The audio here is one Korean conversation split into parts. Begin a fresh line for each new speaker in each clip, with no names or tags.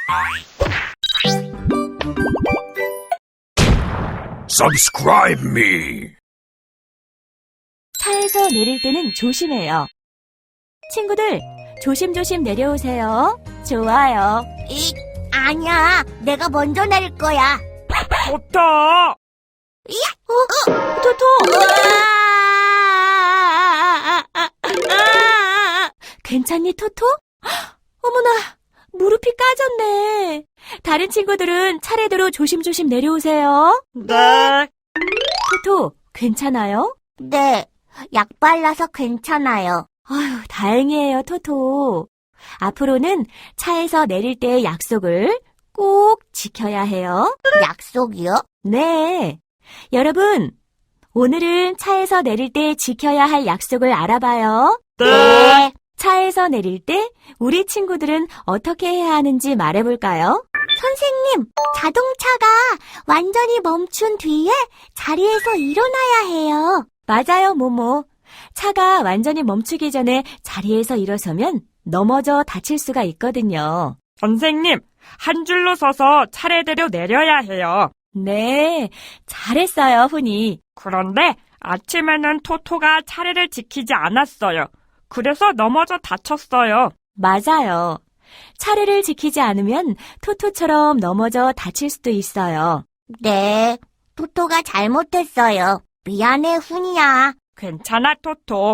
Subscribe me.
차에서 내릴 때는 조심해요. 친구들, 조심조심 내려오세요. 좋아요.
아니야. 내가 먼저 내릴 거야.
좋다.
토토! 괜찮니, 토토? 어머나, 무릎이 까졌네. 다른 친구들은 차례대로 조심조심 내려오세요.
네.
토토, 괜찮아요?
네. 약 발라서 괜찮아요.
아휴, 다행이에요, 토토. 앞으로는 차에서 내릴 때의 약속을 꼭 지켜야 해요.
약속이요?
네. 여러분, 오늘은 차에서 내릴 때 지켜야 할 약속을 알아봐요.
네.
차에서 내릴 때 우리 친구들은 어떻게 해야 하는지 말해볼까요?
선생님, 자동차가 완전히 멈춘 뒤에 자리에서 일어나야 해요.
맞아요, 모모. 차가 완전히 멈추기 전에 자리에서 일어서면 넘어져 다칠 수가 있거든요.
선생님, 한 줄로 서서 차례대로 내려야 해요.
네, 잘했어요, 훈이.
그런데 아침에는 토토가 차례를 지키지 않았어요. 그래서 넘어져 다쳤어요.
맞아요. 차례를 지키지 않으면 토토처럼 넘어져 다칠 수도 있어요.
네. 토토가 잘못했어요. 미안해, 훈이야.
괜찮아, 토토.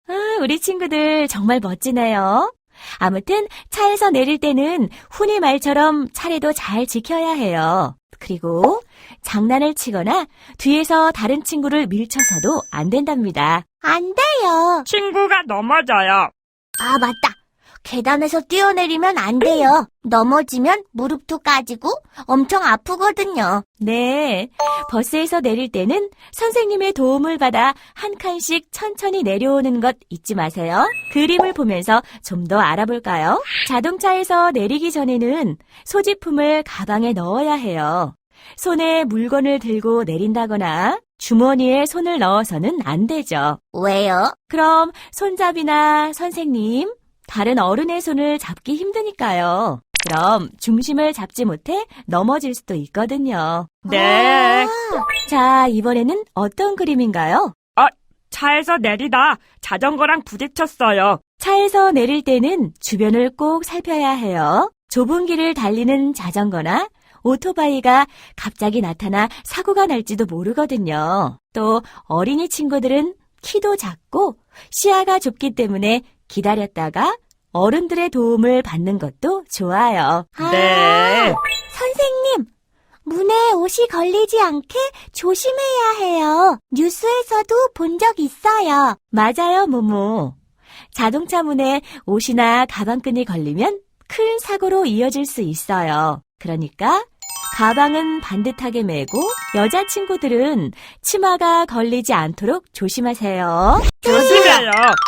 우리 친구들 정말 멋지네요. 아무튼 차에서 내릴 때는 훈이 말처럼 차례도 잘 지켜야 해요. 그리고 장난을 치거나 뒤에서 다른 친구를 밀쳐서도 안 된답니다.
안 돼요.
친구가 넘어져요.
아, 맞다. 계단에서 뛰어내리면 안 돼요. 넘어지면 무릎도 까지고 엄청 아프거든요.
네, 버스에서 내릴 때는 선생님의 도움을 받아 한 칸씩 천천히 내려오는 것 잊지 마세요. 그림을 보면서 좀 더 알아볼까요? 자동차에서 내리기 전에는 소지품을 가방에 넣어야 해요. 손에 물건을 들고 내린다거나 주머니에 손을 넣어서는 안 되죠.
왜요?
그럼 손잡이나 선생님, 다른 어른의 손을 잡기 힘드니까요. 그럼 중심을 잡지 못해 넘어질 수도 있거든요.
네.
자, 이번에는 어떤 그림인가요?
차에서 내리다 자전거랑 부딪혔어요.
차에서 내릴 때는 주변을 꼭 살펴야 해요. 좁은 길을 달리는 자전거나 오토바이가 갑자기 나타나 사고가 날지도 모르거든요. 또 어린이 친구들은 키도 작고 시야가 좁기 때문에 기다렸다가 어른들의 도움을 받는 것도 좋아요.
네.
선생님, 문에 옷이 걸리지 않게 조심해야 해요. 뉴스에서도 본 적 있어요.
맞아요, 모모. 자동차 문에 옷이나 가방끈이 걸리면 큰 사고로 이어질 수 있어요. 그러니까 가방은 반듯하게 메고 여자친구들은 치마가 걸리지 않도록 조심하세요.
조심해요.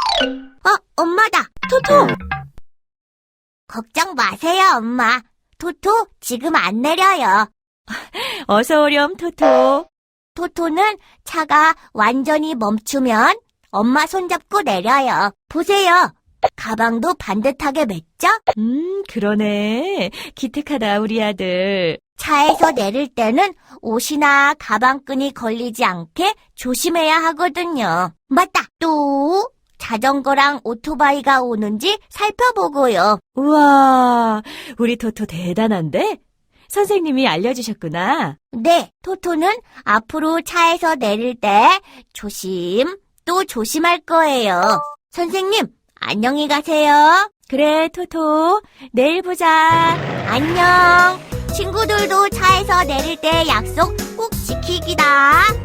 엄마다. 토토. 걱정 마세요, 엄마. 토토, 지금 안 내려요.
어서 오렴, 토토.
토토는 차가 완전히 멈추면 엄마 손잡고 내려요. 보세요. 가방도 반듯하게 맸죠?
그러네. 기특하다, 우리 아들.
차에서 내릴 때는 옷이나 가방끈이 걸리지 않게 조심해야 하거든요. 맞다. 또 자전거랑 오토바이가 오는지 살펴보고요.
우와, 우리 토토 대단한데? 선생님이 알려주셨구나.
네, 토토는 앞으로 차에서 내릴 때 조심 또 조심할 거예요. 선생님, 안녕히 가세요.
그래, 토토. 내일 보자.
안녕. 친구들도 차에서 내릴 때 약속 꼭 지키기다.